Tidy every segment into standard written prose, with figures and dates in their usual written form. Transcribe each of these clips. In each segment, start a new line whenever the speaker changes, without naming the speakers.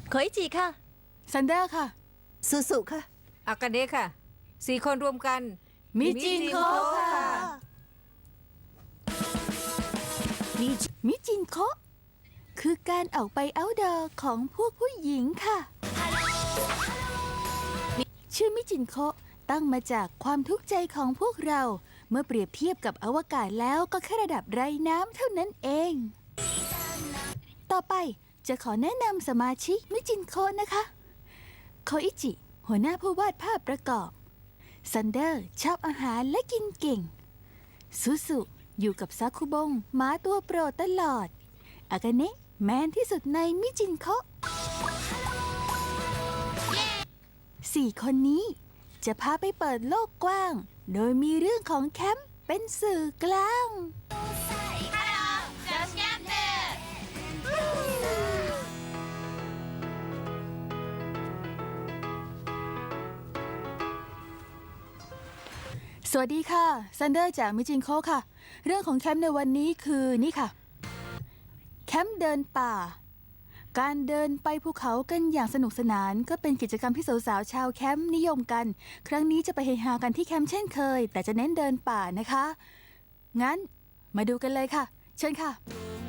โคอิจิค่ะ
ซันเดอร์ค่ะ
สุสุค่ะ
อากาเนะค่ะ4 คนรวมกัน
มิจินโคค่ะมิจินโคคือการออกไปเอาท์ดอร์ของพวกผู้หญิงค่ะชื่อมิจินโคตั้งมาจากความทุกข์ใจของพวกเราเมื่อเปรียบเทียบกับอวกาศแล้วก็แค่ระดับไร้น้ำเท่านั้นเองต่อไปจะขอแนะนำสมาชิกมิจินโคนะคะโคอิจิหัวหน้าผู้วาดภาพประกอบซันเดอร์ชอบอาหารและกินเก่งสุสุอยู่กับซาคุบงหมาตัวโปรดตลอดอากาเนะแมนที่สุดในมิจินโค4 คนนี้จะพาไปเปิดโลกกว้างโดยมีเรื่องของแคมป์เป็นสื่อกลางสวัสดีค่ะซันเดอร์จากมิจินโคค่ะเรื่องของแคมป์ในวันนี้คือนี่ค่ะแคมป์เดินป่าการเดินไปภูเขากันอย่างสนุกสนานก็เป็นกิจกรรมที่สาวๆชาวแคมป์นิยมกันครั้งนี้จะไปเฮฮากันที่แคมป์เช่นเคยแต่จะเน้นเดินป่านะคะงั้นมาดูกันเลยค่ะเชิญค่ะ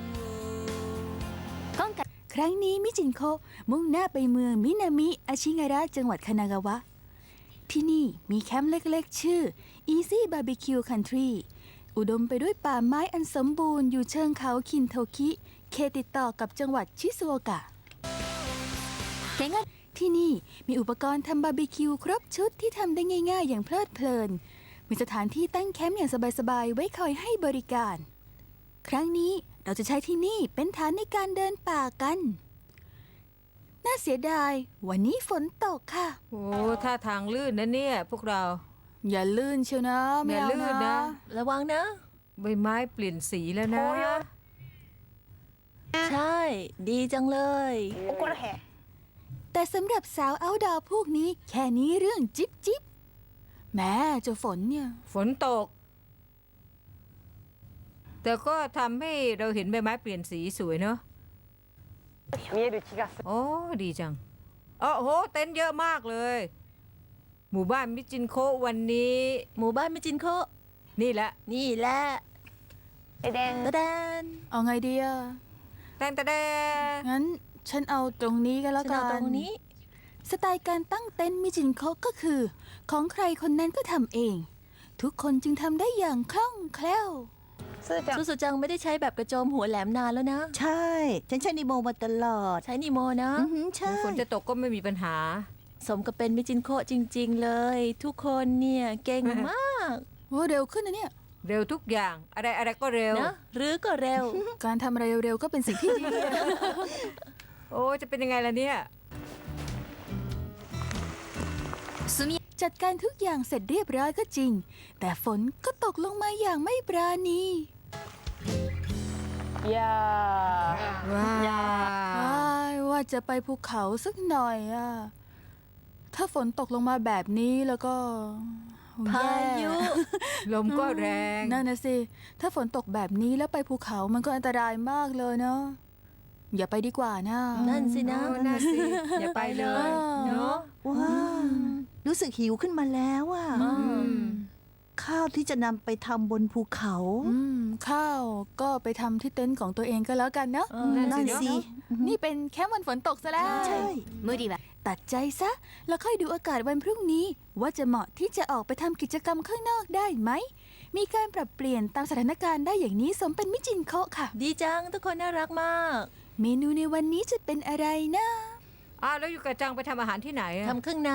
ครั้งนี้มิจินโคมุ่งหน้าไปเมืองมินามิอาชิงาระจังหวัดคานากาวะที่นี่มีแคมป์เล็กๆชื่อ Easy Barbecue Country อุดมไปด้วยป่าไม้อันสมบูรณ์อยู่เชิงเขาคินโทคิเขตติดต่อกับจังหวัดชิซุโอกะที่นี่มีอุปกรณ์ทำบาร์บีคิวครบชุดที่ทำได้ง่ายๆอย่างเพลิดเพลินมีสถานที่ตั้งแคมป์อย่างสบายๆไว้คอยให้บริการครั้งนี้เราจะใช้ที่นี่เป็นฐานในการเดินป่ากันน่าเสียดายวันนี้ฝนตกค่ะ
โอ้ท่าทางลื่นนะเนี่ยพวกเรา
อย่าลื่นเชียวนะไม่เอานะ
ระวังนะ
ใบไม้เปลี่ยนสีแล้วนะ
ใช่ดีจังเลย
แต่สำหรับสาวเอาท์ดอร์พวกนี้แค่นี้เรื่องจิ๊บจิ๊บแม้เจ้าฝนเนี่ย
ฝนตกแต่ก็ทำให้เราเห็นใบไม้เปลี่ยนสีสวยเนาะโอ้ดีจังโอ้โหเต็นท์เยอะมากเลยหมู่บ้านมิจินโควันนี้
หมู่บ้านมิจินโค
นี่แหละ
ตะแดน
เอาไงดีอะ
แต่
งั้นฉันเอาตรงนี้ก็แล้วกัน
ตรงนี้
สไตล์การตั้งเต็นท์มิจินโคก็คือของใครคนนั้นก็ทำเองทุกคนจึงทำได้อย่างคล่องแคล่ว
สุสุจังไม่ได้ใช้แบบกระโจมหัวแหลมนานแล้วนะ
ใช่ฉันใช้นิโมมาตลอด
ใช้นิโมนะ
ใช่
ฝนจะตกก็ไม่มีปัญหา
สมกับเป็นมิจินโคจริงๆเลยทุกคนเนี่ยเก่งมาก
โอ้เร็วขึ้นนะเนี่ย
เร็วทุกอย่างอะไรก็เร็ว
นะหรือก็เร็ว
การทำอะไรเร็วๆก็เป็นสิ่งที่ดี
โอ้จะเป็นยังไงล่ะเนี่ย
จัดการทุกอย่างเสร็จเรียบร้อยก็จริงแต่ฝนก็ตกลงมาอย่างไม่ปราณีว่าจะไปภูเขาสักหน่อยอะถ้าฝนตกลงมาแบบนี้แล้วก็
พายุ
ลมก็แรง
นั่นนะสิถ้าฝนตกแบบนี้แล้วไปภูเขามันก็อันตรายมากเลยเนาะอย่าไปดีกว่านะ
นั่นสินะ
นั่นสิอย่าไปเลยเนาะ
ว้ารู้สึกหิวขึ้นมาแล้วอ่ะข้าวที่จะนำไปทำบนภูเขา
ข้าวก็ไปทำที่เต็นท์ของตัวเองก็แล้วกันเนาะ
นั่นสิ
นี่เป็นแค่วันฝนตกซะแล้ว
ใช่
มือดีแบบตัดใจซะแล้วค่อยดูอากาศวันพรุ่งนี้ว่าจะเหมาะที่จะออกไปทำกิจกรรมข้างนอกได้ไหมมีการปรับเปลี่ยนตามสถานการณ์ได้อย่างนี้สมเป็นมิจินโคค่ะ
ดีจังทุกคนน่ารักมาก
เมนูในวันนี้จะเป็นอะไรนะ
แล้วอยู่กับจังไปทำอาหารที่ไหน
ทำเครื่องใน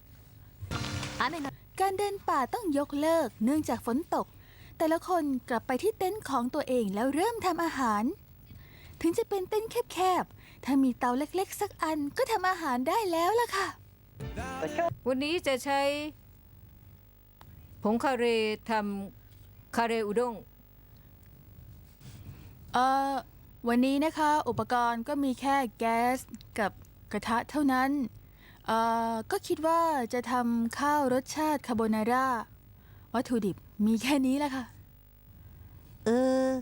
การเดินป่าต้องยกเลิกเนื่องจากฝนตกแต่ละคนกลับไปที่เต็นท์ของตัวเองแล้วเริ่มทำอาหารถึงจะเป็นเต็นท์แคบๆถ้ามีเตาเล็กๆสักอันก็ทำอาหารได้แล้วล่ะค่ะ
วันนี้จะใช้ผงคาเรทำคาเรอุด้ง
วันนี้นะคะอุปกรณ์ก็มีแค่แก๊สกับกระทะเท่านั้นก็คิดว่าจะทำข้าวรสชาติคาโบนาร่าวัตถุดิบมีแค่นี้แหละค่ะ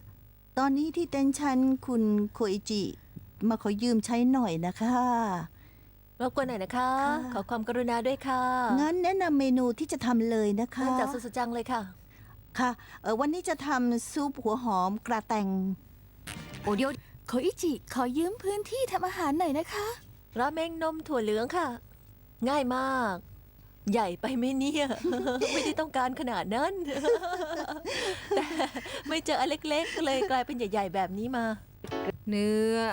ตอนนี้ที่เต็นท์ฉันคุณโคอิจิมาขอยืมใช้หน่อยนะคะ
รบกวนหน่อยนะคะ
ค่ะ
ขอความกรุณาด้วยค่ะ
งั้นแนะนำเมนูที่จะทำเลยนะคะ
เริ่มจากสุดๆจังเลยค่ะ
ค่ะวันนี้จะทำซุปหัวหอมกระแตง
โอเดียวโคอิจิขอยืมพื้นที่ทำอาหารหน่อยนะคะ
ราเมงนมถั่วเหลืองค่ะ ง่ายมาก ใหญ่ไปไหมเนี่ย ไม่ได้ต้องการขนาดนั้น แต่ไม่เจออันเล็กๆก็เลยกลายเป็นใหญ่ๆแบบนี้มา
เนื้อ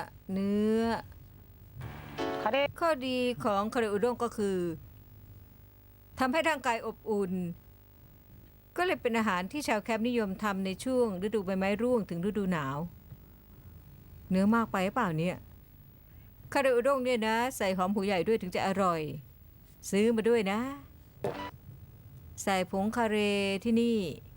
ข้อดีของคาเรอุด้งก็คือทำให้ร่างกายอบอุ่น ก็เลยเป็นอาหารที่ชาวแคมป์นิยมทำในช่วงฤดูใบไม้ร่วงถึงฤดูหนาว เนื้อมากไปหรือเปล่าเนี่ยคาเรอุด้งเนี่ยนะ ใส่หอมหัวใหญ่ด้วยถึงจะอร่อย ซื้อมาด้วยนะ ใส่ผงคาเรที่นี่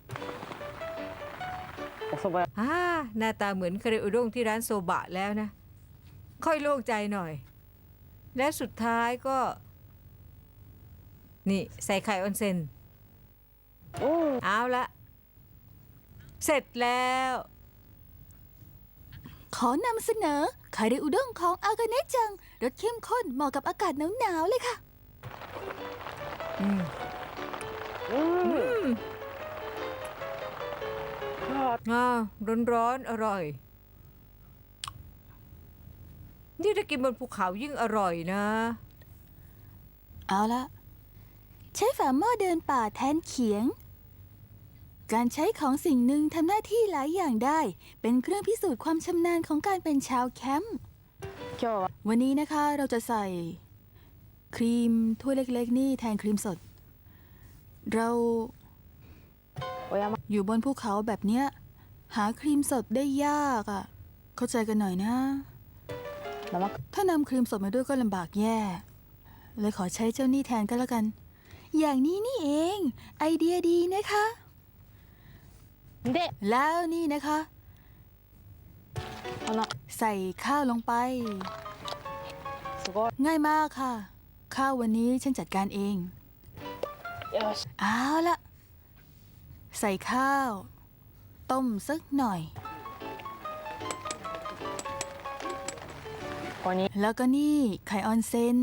หน้าตาเหมือนคาเรอุด้งที่ร้านโซบะแล้วนะ ค่อยโล่งใจหน่อย และสุดท้ายก็ นี่ใส่ไข่ออนเซ็นเอาละ เสร็จแล้ว
ขอนำเสนอคาเรอุด้งของอากาเนะจังรสเข้มข้นเหมาะกับอากาศหนาวๆเลยค่ะ
อืมร้อนๆ อร่อย นี่ถ้ากินบนภูเขายิ่งอร่อยนะ
เอาละใช้ฝาหม้อเดินป่าแทนเขียง การใช้ของสิ่งหนึ่งทำหน้าที่หลายอย่างได้ เป็นเครื่องพิสูจน์ความชำนาญของการเป็นชาวแคมป์วันนี้นะคะเราจะใส่ครีมถ้วยเล็กๆนี่แทนครีมสด เราอยู่บนภูเขาแบบเนี้ยหาครีมสดได้ยากอ่ะ เข้าใจกันหน่อยนะ ถ้านำครีมสดมาด้วยก็ลำบากแย่ เลยขอใช้เจ้านี่แทนก็แล้วกัน อย่างนี้นี่เอง ไอเดียดีนะคะ แล้วนี่นะคะ ใส่ข้าวลงไป ง่ายมากค่ะ ข้าววันนี้ฉันจัดการเอง เอาละใส่ข้าว ต้มสักหน่อย แล้วก็นี่ไข่ออนเซน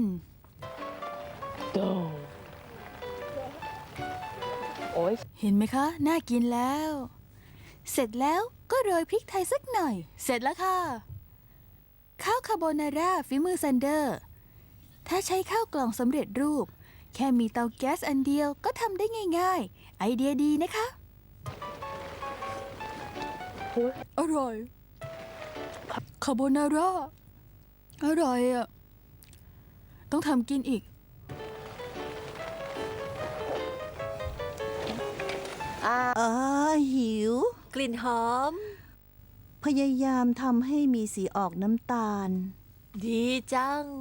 เห็นไหมคะ น่ากินแล้ว เสร็จแล้วก็โรยพริกไทยสักหน่อย เสร็จแล้วค่ะ ข้าวคาโบนาร่าฝีมือซันเดอร์ ถ้าใช้ข้าวกล่องสำเร็จรูป แค่มีเตาแก๊สอันเดียวก็ทำได้ง่ายๆ ไอเดียดีนะคะ อร่อย คาโบนาร่า อร่อยอ่ะ ต้องทำกินอีก
หิว
กลิ่นหอม
พยายามทำให้มีสีออกน้ำตาล
ดีจัง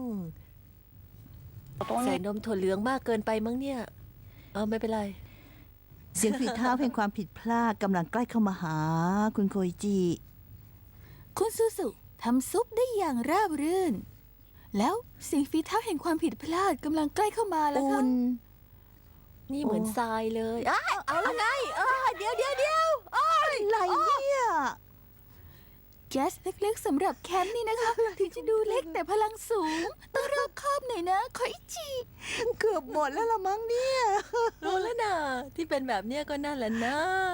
ใส่นมถั่วเหลืองมากเกินไปมั้งเนี่ย ไม่เป็นไร
เสียงฝีเท้าแห่งความผิดพลาดกำลังใกล้เข้ามาหา คุณโคอิจิ
คุณซูซุทำซุปได้อย่างราบรื่น แล้วเสียงฝีเท้าแห่งความผิดพลาดกำลังใกล้เข้ามาแล้ว
อุ่
ค่ะ
น
นี่เหมือนทรายเลยเอาละไงเดี๋ยว
อะไรเนี่ย
แก๊สเล็กๆสำหรับแคมป์นี่นะคะ ถึงจะดูเล็กแต่พลังสูง ต้องรอบคอบหน่อยนะโคอิจิ
เกือบหมดแล้วละมั้งเนี่ย
รู้แล้วนะที่เป็นแบบเนี้ยก็นั่นแหละนะ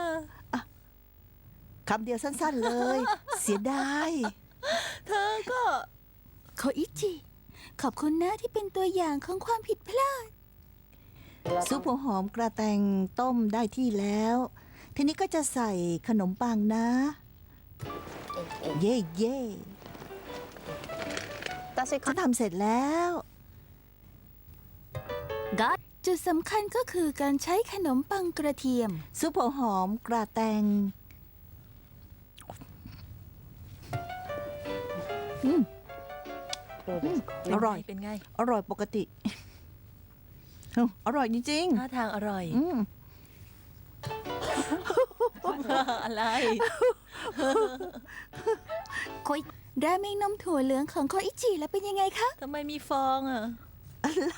คำเดียวสั้นๆเลย เสียดาย
เธอก็
โคอิจิ ขอบคุณนะที่เป็นตัวอย่างของความผิดพลาด
ซุปหัวหอมกระแตงต้มได้ที่แล้ว ทีนี้ก็จะใส่ขนมปังนะ เย่เย่เขาทำเสร็จแล้ว
จุดสำคัญก็คือการใช้ขนมปังกระเทียม
ซุปหัวหอมกระแตงอร่อย
เป็นไง
อร่อยปกติ อร่อยจริง
ท่าทางอร่อย
ๆอืม
อะไร
ราเมงนมถั่วเหลืองของโคอิจิแล้วเป็นยังไงคะ
ทำไมมีฟองอ่ะ
อะไร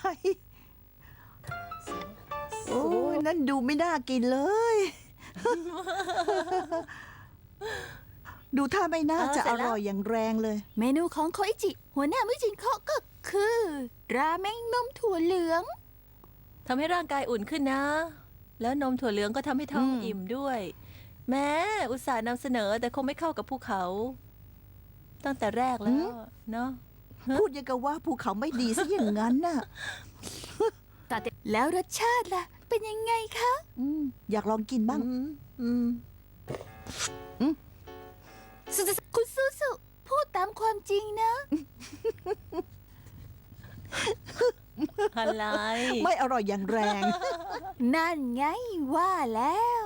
โอ้ยนั่นดูไม่น่ากินเลยดูท่าไม่น่าจะ
เสร็
อ
จแล้ว
ร่อยอย่างแรงเลย
เมนูของโคอิจิ หัวหน้ามื้อจินโคะก็คือ ราเมงนมถั่วเหลือง
ทำให้ร่างกายอุ่นขึ้นนะ แล้วนมถั่วเหลืองก็ทำให้ท้องอิ่มด้วย แม้อุตส่าห์นำเสนอแต่คงไม่เข้ากับภูเขา ตั้งแต่แรกแล้วเนาะ
พูดยังกับว่าภูเขาไม่ดีซะอย่างนั้นน่ะ
แล้วรสชาติล่ะ เป็นยังไงคะ
อยากลองกินบ้าง
คุณซูซูพูดตามความจริงนะ
อะไร
ไม่อร่อยอย่างแรง
นั่นไงว่าแล้ว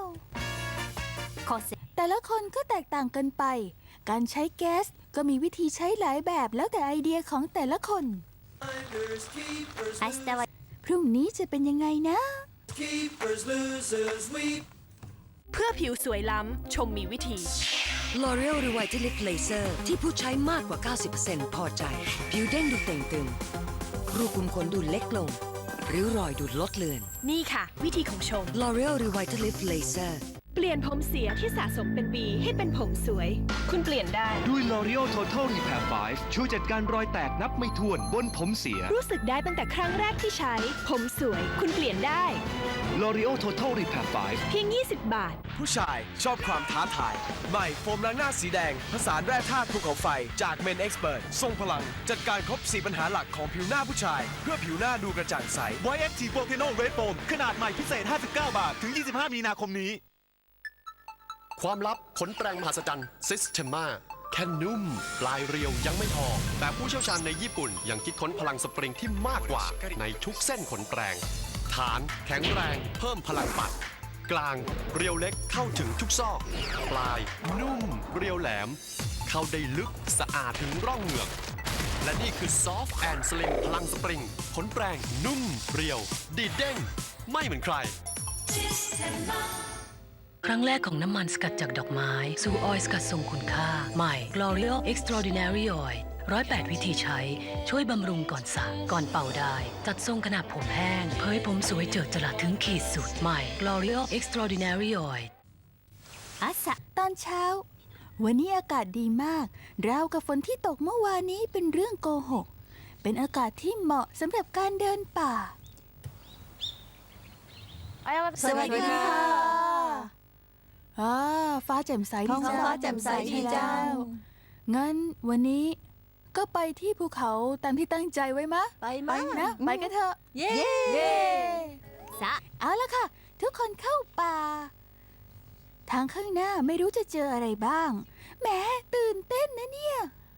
แต่ละคนก็แตกต่างกันไป การใช้แก๊สก็มีวิธีใช้หลายแบบแล้วแต่ไอเดียของแต่ละคน พรุ่งนี้จะเป็นยังไงนะ
Keepers, losers, we
เพื่อผิวสวยล้ำ ชมมีวิธี
L'Oreal Revitalift Laser ที่ผู้ใช้มากกว่า 90% พอใจ ผิวเด้งดูเต่งตึง รูขุมขนดูเล็กลง ริ้วรอยดูลดเลือน
นี่ค่ะ วิธีของชม
L'Oreal Revitalift Laser
เปลี่ยนผมเสียที่สะสมเป็นปีให้เป็นผมสวย คุณเปลี่ยนได้
ด้วย L'Oreal Total Repair 5 ช่วยจัดการรอยแตกนับไม่ถ้วนบนผมเสีย
รู้สึกได้ตั้งแต่ครั้งแรกที่ใช้ ผมสวย คุณเปลี่ยนได้
L'Oreal Total Repair 5
เพียง 20 บาท
ผู้ชายชอบความท้าทาย ใหม่โฟมล้างหน้าสีแดง ผสานแร่ธาตุภูเขาไฟจาก Men Expert ทรงพลัง จัดการครบ 4 ปัญหาหลักของผิวหน้าผู้ชาย เพื่อผิวหน้าดูกระจ่างใส
YFT Volcano Red Foam ขนาดใหม่พิเศษ 59 บาท ถึง 25 มีนาคมนี้
ความลับขนแปรงมหัศจรรย์ Systema แค่นุ่ม ปลายเรียวยังไม่พอ แต่ผู้เชี่ยวชาญในญี่ปุ่นยังคิดค้นพลังสปริงที่มากกว่าในทุกเส้นขนแปรง ฐานแข็งแรงเพิ่มพลังปัด กลางเรียวเล็กเข้าถึงทุกซอก ปลาย นุ่ม เรียวแหลม เข้าได้ลึกสะอาดถึงร่องเหงือก และนี่คือ Soft and Slim พลังสปริงขนแปรงนุ่ม เรียว ดีดเด้ง ไม่เหมือนใคร
ครั้งแรกของน้ำมันสกัดจากดอกไม้ สู่ออยล์สกัดทรงคุณค่า ใหม่ L'Oreal Extraordinary Oil 108 วิธีใช้ ช่วยบำรุงก่อนสระก่อนเป่าได้ จัดทรงขนาดผมแห้ง เผยผมสวยเจิดจรัสถึงขีดสุด ใหม่ L'Oreal Extraordinary Oil
ตอนเช้า วันนี้อากาศดีมาก ราวกับฝนที่ตกเมื่อวานนี้เป็นเรื่องโกหก เป็นอากาศที่เหมาะสำหรับการเดินป่า
สวัสดีค่ะ
ฟ้าแจ่มใส
ท้
ดี
อง
จัง
ฟ้าแจ่มใสดีจัง
งั้นวันนี้ก็ไปที่ภูเขาตามที่ตั้งใจไว้มะ
ไป
ไป
มา
นะ ไปกันเถอะ
เย้
เอาละค่ะ ทุกคนเข้าป่า ทางข้างหน้าไม่รู้จะเจออะไรบ้าง แหมตื่นเต้นนะเนี่ย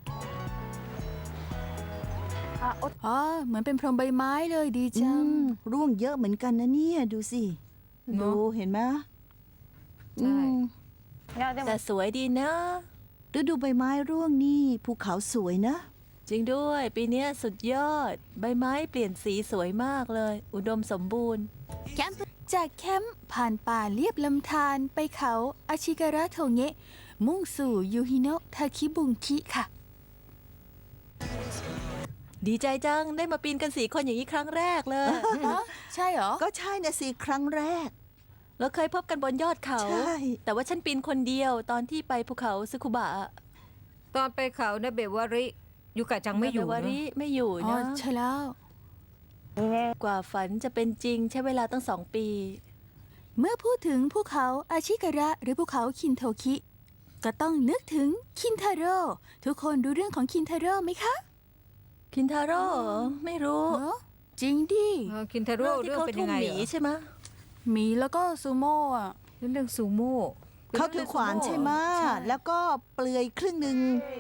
เหมือนเป็นพรมใบไม้เลยดีจัง
ร่วงเยอะเหมือนกันนะเนี่ย ดูสิ
เน
ดู
อะ
เห็นไหม
ใช่
แต่สวยดีนะ
ฤดูใบไม้ร่วงนี่ภูเขาสวยนะ
จริงด้วย ปีเนี้ยสุดยอด ใบไม้เปลี่ยนสีสวยมากเลย อุดมสมบูรณ์
จากแคมป์ผ่านป่าเลียบลำธารไปเขาอาชิการะโทเงะ มุ่งสู่ยูฮิโนะทาคิบุงคิค่ะ
ดีใจจังได้มาปีนกัน4 คนอย่างนี้ครั้งแรกเลย
ใช่เหรอ
ก็ใช่นะสิครั้งแรก
เราเคยพบกันบนยอดเขา
ใช่
แต่ว่าฉันปีนคนเดียวตอนที่ไปภูเขาซึคุบะ
ตอนไปเขานะเบวาริยูกะจังไม่อยู่
นาเบวา
นะ
ริไม่อยู่
อ๋อ
นะ
ใช่แล้ว
กว่าฝันจะเป็นจริงใช้เวลาตั้ง2 ปี
เมื่อพูดถึงภูเขาอาชิการะหรือภูเขาคินโทคิ ก็ต้องนึกถึงคินทาโร่ ทุกคนรู้เรื่องของคินทาโร่ไหมคะ
คินทาโร่ไม่รู้
เหรอจริงดิ
คินทาโร่
ที่
เรื่อง
เขา
เป็น
ทุ่
ยั
ม
งไง
หมี
เหรอ
ใช่ไหม
หมีแล้วก็ซูโม่อะ
เรื่องซูโม่
เขาถือขวานใช่ไหมแล้วก็เปลือยครึ่งหนึ่ง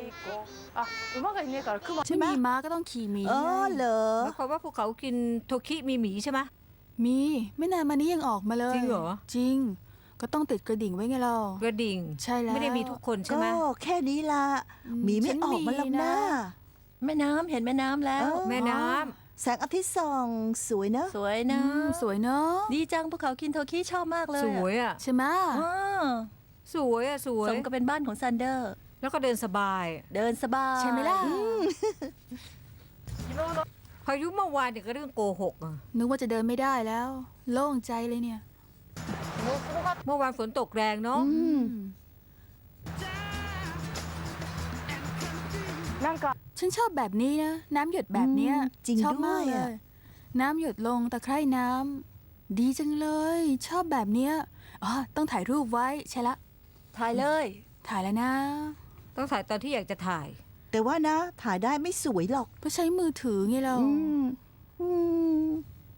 ไม่มีม้าก็ต้องขี่หมี
อ๋อเหรอ
หมายความว่าภูเขากินโทคิมีหมีใช่ไหม
มีไม่นานมานี้ยังออกมาเลย
จริงเหรอ
จริง ก็ต้องติดกระดิ่งไว้ไงเรา
กระดิ่ง
ใช่แล้ว
ไม่ได้มีทุกคนใช่
ก็
ไหม
แค่นี้ละหมีไม่ออกมาหรอกนะ
แม่น้ำเห็นแม่น้ำแล้ว
เออ
แม่น้
แสงอาทิตย์ส่องสวยนะ
สวยนะ
สวยเนาะ
ดีจังภูเขาคินโทคิชอบมากเล
ำ
ย
สวยอ่ะ
ใช่ไหม
อ๋อ
สวยอ่ะสวย
สมกับเป็นบ้านของซันเดอร์
แล้วก็เดินสบาย
เดินสบาย
ใช่ไหมล่ะ
พายุเมื่อวานเนี่ยก็เรื่องโกหกอ่ะ
นึกว่าจะเดินไม่ได้แล้ว โล่งใจเลยเนี่ย
เมื่อวานฝนตกแรงเนาะ
อืม
ฉันชอบแบบนี้นะ น้ำหยดแบบเนี้ย
จริง
ชอบ
ด้
มา
วย
กเล
อะ
ย น้ำหยดลงตะไคร่น้ำดีจังเลย ชอบแบบเนี้ยอ๋อต้องถ่ายรูปไว้ใช่ละ
ถ่ายเลย
ถ่ายแล้วนะ
ต้องถ่ายตอนที่อยากจะถ่าย
แต่ว่านะ ถ่ายได้ไม่สวยหรอก
เพราะใช้มือถือไงเรา
อืมอืม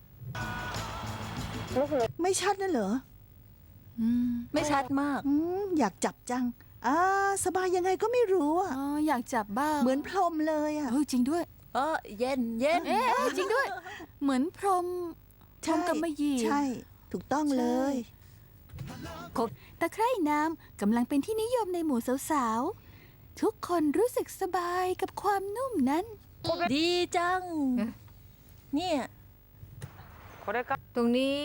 ไม่ชัดนั่นเหรอ
อืม
ไม่ชัดมาก
อยากจับจังสบายยังไงก็ไม่รู้อ่ะ
อ๋ออยากจับบ้าง
เหมือนพรหมเลยอ่ะ
เฮ้ยจริงด้วย
เย็นเย็น
เอ๊ะจริงด้วย เหมือนพรหมพรหมกำมะหยี่
ใช่ ถูกต้องเลย
ตะไคร่น้ำกำลังเป็นที่นิยมในหมู่สาวๆ ทุกคนรู้สึกสบายกับความนุ่มนั้น
ดีจัง
เอ๊ะ
เนี่ย
ตรงนี้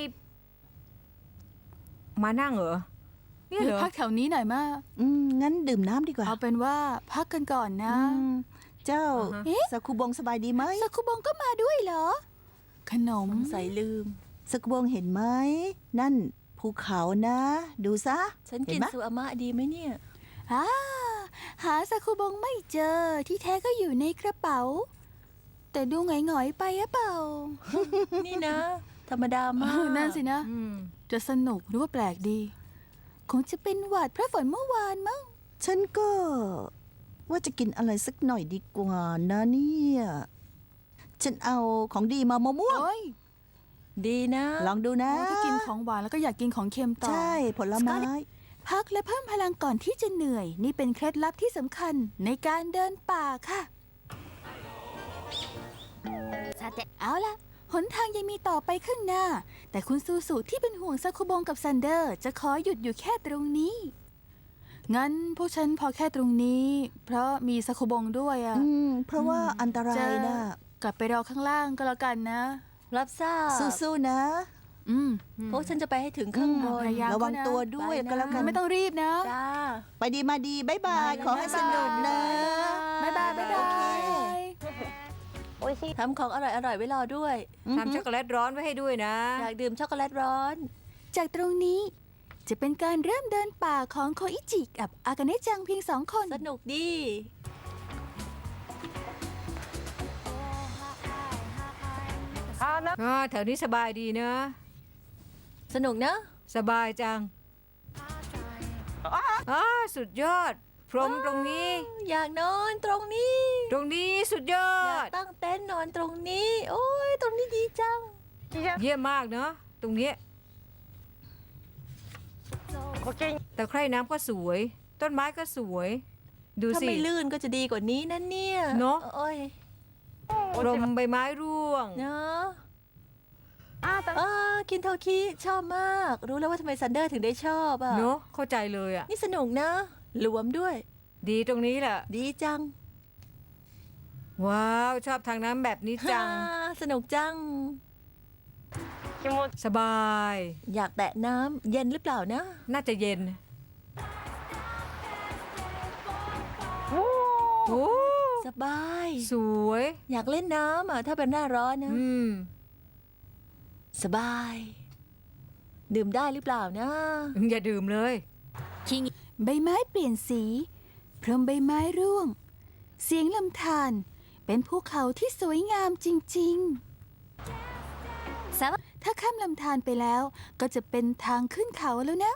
มานั่งเหรอเนี่ยเหรอ
พักแถวนี้หน่อยมา
งั้นดื่มน้ำดีกว่า
เอาเป็นว่าพักกันก่อนนะ
เจ้า
อ่าฮะ
เอ๊ะ
สกุบงสบายดีไหม
ซาคุบงก็มาด้วยเหรอ ขนม
ใส่ลืม
สกุบงเห็นไหม นั่นภูเขานะ ดูซะ
ฉัน
เห็
กิ
น
น
ไหม
ซูอามะดีไหมเนี่ย
อ่าหาซาคุบงไม่เจอที่แท้ก็อยู่ในกระเป๋า แต่ดูหงอยๆไปอะเปล่า
นี่นะ ธรรมดามาก
นั่นสินะ
อืม
จะสนุกหรือว่าแปลกดี คงจะเป็นหวัดเพราะฝนเมื่อวานมั้ง
ฉันก็ว่าจะกินอะไรสักหน่อยดีกว่านะเนี่ย ฉันเอาของดีมามะม่วง
โอ้ย
ดีนะ
ลองดูนะ
ถ้ากินของหวานแล้วก็อยากกินของเค็มต่อ
ใช่ผลไม้
พักและเพิ่มพลังก่อนที่จะเหนื่อย นี่เป็นเคล็ดลับที่สำคัญในการเดินป่าค่ะ เอาล่ะ หนทางยังมีต่อไปข้างหน้า แต่คุณซูซูที่เป็นห่วงซาคุบงกับซันเดอร์ จะขอหยุดอยู่แค่ตรงนี้ งั้นพวกฉันพอแค่ตรงนี้ เพราะมีซาคุบงด้วยอะ
เพราะว่าอันตรา
จะ
ยนะ
กลับไปรอข้างล่างก็แล้วกันนะ
รับทราบ
สู้ๆนะ
อืม
พวกฉันจะไปให้ถึงข้างบน
พยายาม
ระวังตัวด้วย
ไปนะ
ก็แล้วกัน
ไม่ต้องรีบนะ
จ้า
ไปดีมาดีบ๊ายบาย ขอให้สนุกนะ
บ๊ายบายบ๊ายบาย
ทำของอร่อยๆไว้รอด้วย
ทำช็อกโกแลตร้อนไว้ให้ด้วยนะ
อยากดื่มช็อกโกแลตร้อน
จากตรงนี้จะเป็นการเริ่มเดินป่าของโคอิจิกับอากาเนะจังเพียง2 คน
สนุกดี
แถวนี้สบายดีนะ
สนุกนะ
สบายจังสุดยอด พรมตรงนี้
อยากนอนตรงนี้
ตรงนี้สุดยอ
อยาก
ด
ตั้งเต็นท์นอนตรงนี้ โอ้ยตรงนี้ดีจัง
เยี่ยมมากเนาะตรงเนี้ยตะไคร่น้ำก็สวย ต้นไม้ก็สวย ดู
ถ้า
สิ
ไม่ลื่นก็จะดีกว่านี้นั่นเนี่ย
เนอะ
โอ้ย
ลมใบไม้ร่วง
เนาะคินโทคิชอบมาก รู้แล้วว่าทำไมซันเดอร์ถึงได้ชอบอ่ะ
เนาะเข้าใจเลยอ่ะ
นี่สนุกนะหลวมด้วย
ดีตรงนี้แหละ
ดีจัง
ว้าวชอบทางน้ำแบบนี้จัง
สนุกจัง
สบาย
อยากแตะน้ำเย็นหรือเปล่านะ
น่าจะเย็น โอ้
สบาย
สวย
อยากเล่นน้ำอ่ะถ้าเป็นหน้าร้อนนะ
อืม
สบาย ดื่มได้หรือเปล่านะ
อย่าดื่มเลย
ใบไม้เปลี่ยนสี พรมใบไม้ร่วง เสียงลำธารเป็นภูเขาที่สวยงามจริงๆ ถ้าข้ามลำธารไปแล้วก็จะเป็นทางขึ้นเขาแล้วนะ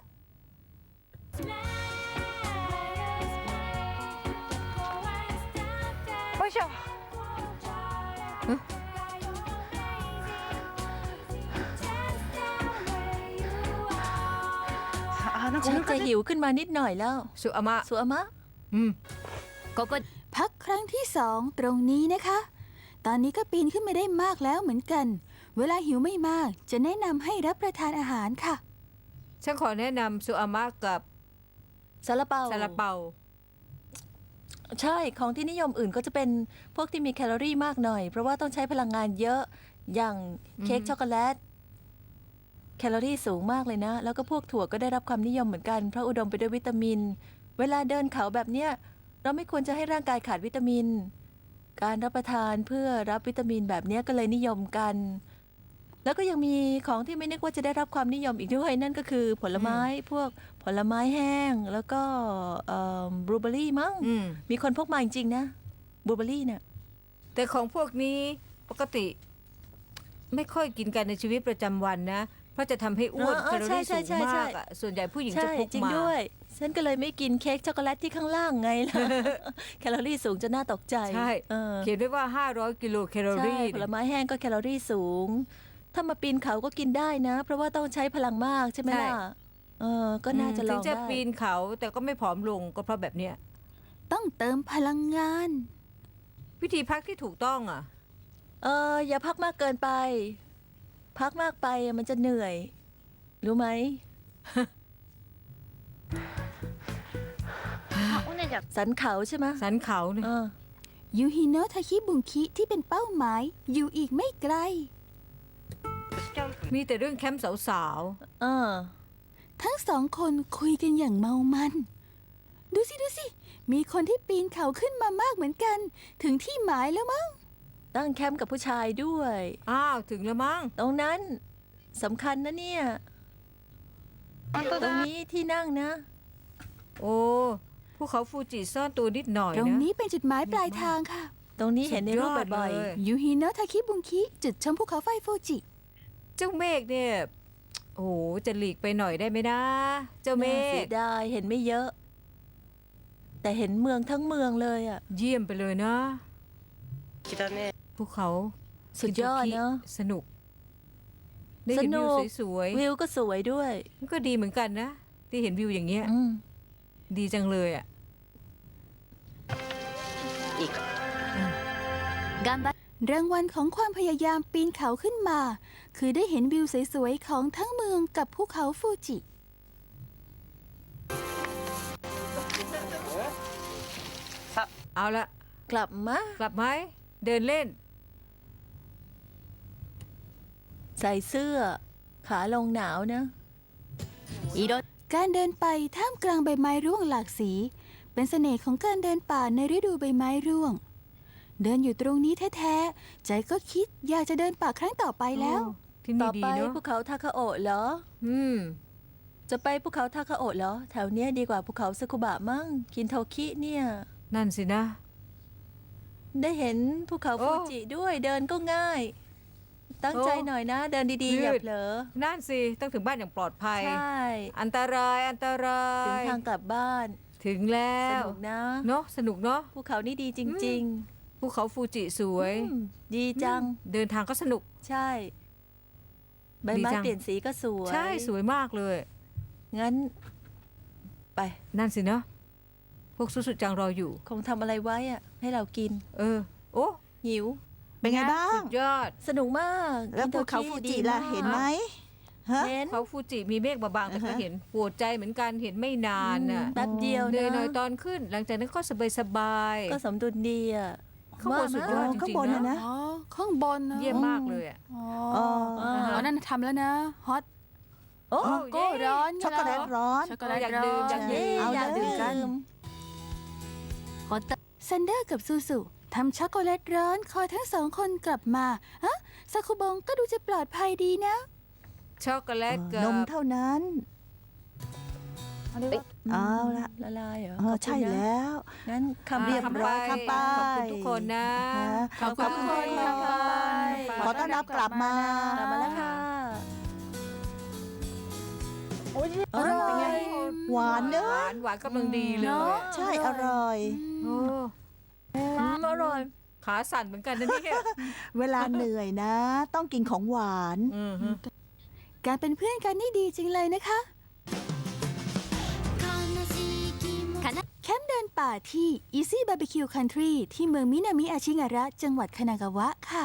ฉันจะหิวขึ้นมานิดหน่อยแล้ว
สุอามะ
สุอามะ
อืม
พักครั้งที่ 2 ตรงนี้นะคะ ตอนนี้ก็ปีนขึ้นมาได้มากแล้วเหมือนกัน เวลาหิวไม่มากจะแนะนำให้รับประทานอาหารค่ะ
ฉันขอแนะนำสุอามะกับ
ซาลาเปา
ซาลาเปา
ใช่ของที่นิยมอื่นก็จะเป็นพวกที่มีแคลอรี่มากหน่อย เพราะว่าต้องใช้พลังงานเยอะอย่างเค้กช็อกโกแลต แคลอรี่สูงมากเลยนะ แล้วก็พวกถั่วก็ได้รับความนิยมเหมือนกันเพราะอุดมไปด้วยวิตามิน เวลาเดินเขาแบบเนี้ยเราไม่ควรจะให้ร่างกายขาดวิตามิน การรับประทานเพื่อรับวิตามินแบบเนี้ยก็เลยนิยมกัน แล้วก็ยังมีของที่ไม่นึกว่าจะได้รับความนิยมอีกด้วย นั่นก็คือผลไม้พวกผลไม้แห้งแล้วก็บลูเบอร์รี่มั้ง
อืม
มีคนพกมาจริงๆนะบลูเบอร์รี่เนี่ย
แต่ของพวกนี้ปกติ ไม่ค่อยกินกันในชีวิตประจำวันนะ เพราะจะทำให้อ้วนแคลอรี่สูงมากอะส่วนใหญ่ผู้หญิงจะ
ใช่
พก
จริง
มา
ด้วย ฉันก็เลยไม่กินเค้กช็อกโกแลตที่ข้างล่างไงล่ะ แคลอรี่สูงจนน่าตกใจ
ใช่
เออ
เขียนไว้ว่า 500 กิโลแคลอ
ใช่
รี่
ผลไม้แห้งก็แคลอรี่สูง ถ้ามาปีนเขาก็กินได้นะ เพราะว่าต้องใช้พลังมากใช่ไหมล่ะก็น่าจะล
ถึ
อง ง
จะ
ได้
ปีนเขาแต่ก็ไม่ผอมลงก็เพราะแบบเนี้ย
ต้องเติมพลังงาน
วิธีพักที่ถูกต้องอ่ะ
อย่าพักมากเกินไป พักมากไปมันจะเหนื่อย รู้ไหม สันเขาใช่ไหม
สันเขาเนี่ย
เออ
ยูฮิโนะทาคิบุงคิที่เป็นเป้าหมาย อยู่อีกไม่ไกล
มีแต่เรื่องแคมป์สาว
เออ
ทั้งสองคนคุยกันอย่างเมามัน ดูสิ มีคนที่ปีนเขาขึ้นมามากเหมือนกัน ถึงที่หมายแล้วมั้ง
ตั้งแคมป์กับผู้ชายด้วย
ๆอ้าวถึงแล้วมั้ง
ตรงนั้นสำคัญนะเนี่ย ตรงนี้ที่นั่งนะ
โอ้ภูเขาฟูจิซ่อนตัวนิดหน่อย
ตรง
นะ
นี้เป็นจุดหมายปลายทางค่ะ
ตรงนี้เห็นในรูปบ่อย
สุดยอดเลย
ยูฮิโนะทาคิบุงคิจุดชมภูเขาไฟฟูจิ
เจ้าเมฆเนี่ย โอ้โหจะหลีกไปหน่อยได้ไหมนะ เจ้า
ๆ
เม
น่าเสี
ฆ
ยดายเห็นไม่เยอะ แต่เห็นเมืองทั้งเมืองเลยอ่ะ
เยี่ยมไปเลยนะภูเขา
สุดยอดเนาะ
สนุก ได้เห็น
สนุ
วิว
ก
สวย
วิวก็สวยด้วย
ๆมันก็ดีเหมือนกันนะ ที่เห็นวิวอย่างเงี้ย
อืม
ดีจังเลยอ่ะ
รางวัลของความพยายามปีนเขาขึ้นมา คือได้เห็นวิวสวยๆของทั้งเมืองกับภูเขาฟูจิ
เอาละ
กลับมา
กลับไหมเดินเล่น
ใส่เสื้อ ขาลงหนาวนะ
การเดินไปท่ามกลางใบไม้ร่วงหลากสี เป็นเสน่ห์ของการเดินป่าในฤดูใบไม้ร่วง เดินอยู่ตรงนี้แท้ๆใจก็คิดอยากจะเดินป่าครั้งต่อไปแล้ว
ที่
ต่
นี่
อ
ดี
ไป
เนาะ
ภูเขาทาคาโอะเหรอ
อืม
จะไปภูเขาทาคาโอะเหรอ แถวเนี้ยดีกว่าภูเขาซากุบะมั้ง กินโทคิเนี่ย
นั่นสินะ
ได้เห็นภูเขา
โอ้
ฟูจิด้วยเดินก็ง่าย ตั้งใจ
โอ้
หน่อยนะ เดินดีๆ อย่า
ยืด
เผลอ
นั่นสิต้องถึงบ้านอย่างปลอดภัย
ใช่
อันตรายอันตรา
ถึง
ย
ทางกลับบ้าน
ถึงแล้
ส
ว
นุกนะ
เนาะสนุกเนาะ
ภูเขานี่ดีจริง
ภูเขาฟูจิสวย
ๆดีจัง
เดินทางก็สนุก
ใช่ ใบ
ดี
ไม้
จัง
เปลี่ยนสีก็สวย
ใช่สวยมากเลย
งั้น ไป
นั่นสิเนาะพวกสุสุจังรออยู่
คงทำอะไรไว้อะให้เรากิน
เออ โอ้
หิว
เป็นไงบ้า
สุ
ง
ดยอด
สนุกมาก
แล้ว
กิน
ภูเขา
โท
ฟู
คิ
จิ
ดี
ล่ะ
มาก
เห็นไหมฮะ
เห็น
เขาฟูจิมีเมฆบางๆแต่ก็เห็นปวดใจเหมือนกันเห็นไม่นานน่ะ
แป๊บเดียว
เหนื่อย
นะ
หน่อยตอนขึ้น หลังจากนั้นก็สบายๆ
ก็สมดุลดีอะ
ข้างบนสุดยอดจ
ข้าง
ริง
บน
ๆ
น่ะ
นะ
นะ
อ๋อ ข้างบนนะ
เยี่ยมมากเลยอ่ะ
อ๋อ
อ๋อ
อ๋อนั่นทำแล้วนะฮอต
โอ้
ก็ร้อน
ช็อกโกแลตร้อน
ช็อกโกแลต
อยาก
ร้
ดื่
อ
ม
น
อยากดื่ม
เอา
อยากดื่มกัน
ซันเดอร์กับซูซูทำช็อกโกแลตร้อนคอยทั้งสองคนกลับมาฮะซาคุบงก็ดูจะปลอดภัยดีนะ
ช็อกโกแลตกับ
นมเท่านั้น เอาละ
ละลายเหรอ
เออใช่แล้ว
งั้นคำเรียบ
คำ
ร้อย
คำไป
ขอบคุณทุกคนนะ
ขอบคุณทุกคน
ค่ะ
ขอต้อนรับกลับมา
กลับมาแล้วค่ะ
อร่อย หวานเน
ห
อะ
วานหวานกำลังดีเลย
เนอะ
อะ
ใช่อร่อย
โอ้
อร่อย
ขาสั่นเหมือนกันนะเนี่ย
เวลาเหนื่อยนะ ต้องกินของหวาน
อือฮึ
การเป็นเพื่อนกันนี่ดีจริงเลยนะคะ แคมป์เดินป่าที่ Easy Barbecue Country ที่เมืองมินามิอาชิงาระจังหวัดคานากาวะค่ะ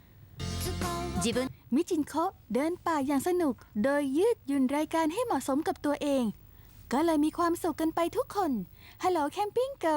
มิจินโคะเดินป่าอย่างสนุก โดยยืดหยุ่นรายการให้เหมาะสมกับตัวเอง ก็เลยมีความสุขกันไปทุกคน Hello Camping Girl